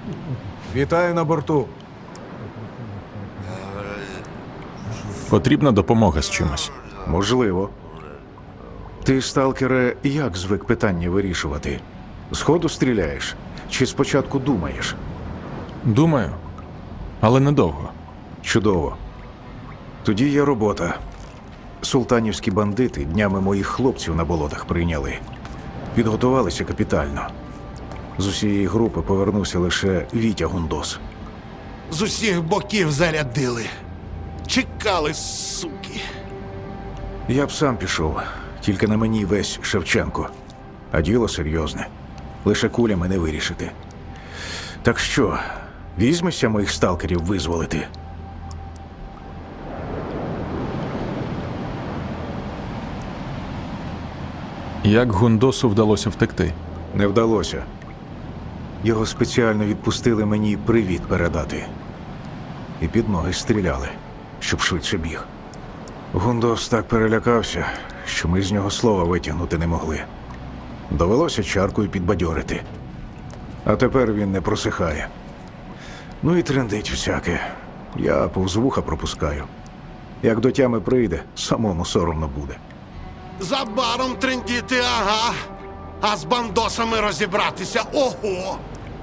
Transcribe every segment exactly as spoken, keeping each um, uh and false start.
Вітаю на борту. Потрібна допомога з чимось. Можливо. Ти, сталкере, як звик питання вирішувати? Зходу стріляєш? Чи спочатку думаєш? Думаю, але недовго. Чудово. Тоді є робота. Султанівські бандити днями моїх хлопців на болотах прийняли. Підготувалися капітально. З усієї групи повернувся лише Вітя Гундос. З усіх боків зарядили. Чекали, суки. Я б сам пішов, тільки на мені весь Шевченко. А діло серйозне. Лише кулями не вирішити. Так що, візьмешся моїх сталкерів визволити? Як Гундосу вдалося втекти? Не вдалося. Його спеціально відпустили мені привіт передати. І під ноги стріляли, щоб швидше біг. Гундос так перелякався, що ми з нього слова витягнути не могли. Довелося чаркою підбадьорити. А тепер він не просихає. Ну і трендить всяке. Я повз вуха пропускаю. Як до тями прийде, самому соромно буде. За баром трендіти, ага. А з бандосами розібратися, ого!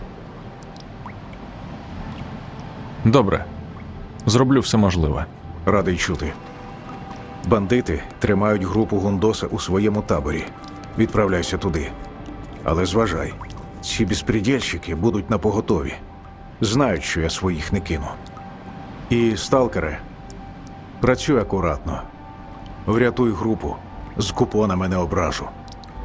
Добре. Зроблю все можливе. Радий чути. Бандити тримають групу Гундоса у своєму таборі. Відправляйся туди. Але зважай, ці безпредельщики будуть напоготові. Знають, що я своїх не кину. І, сталкере, працюй акуратно. Врятуй групу. З купонами не ображу.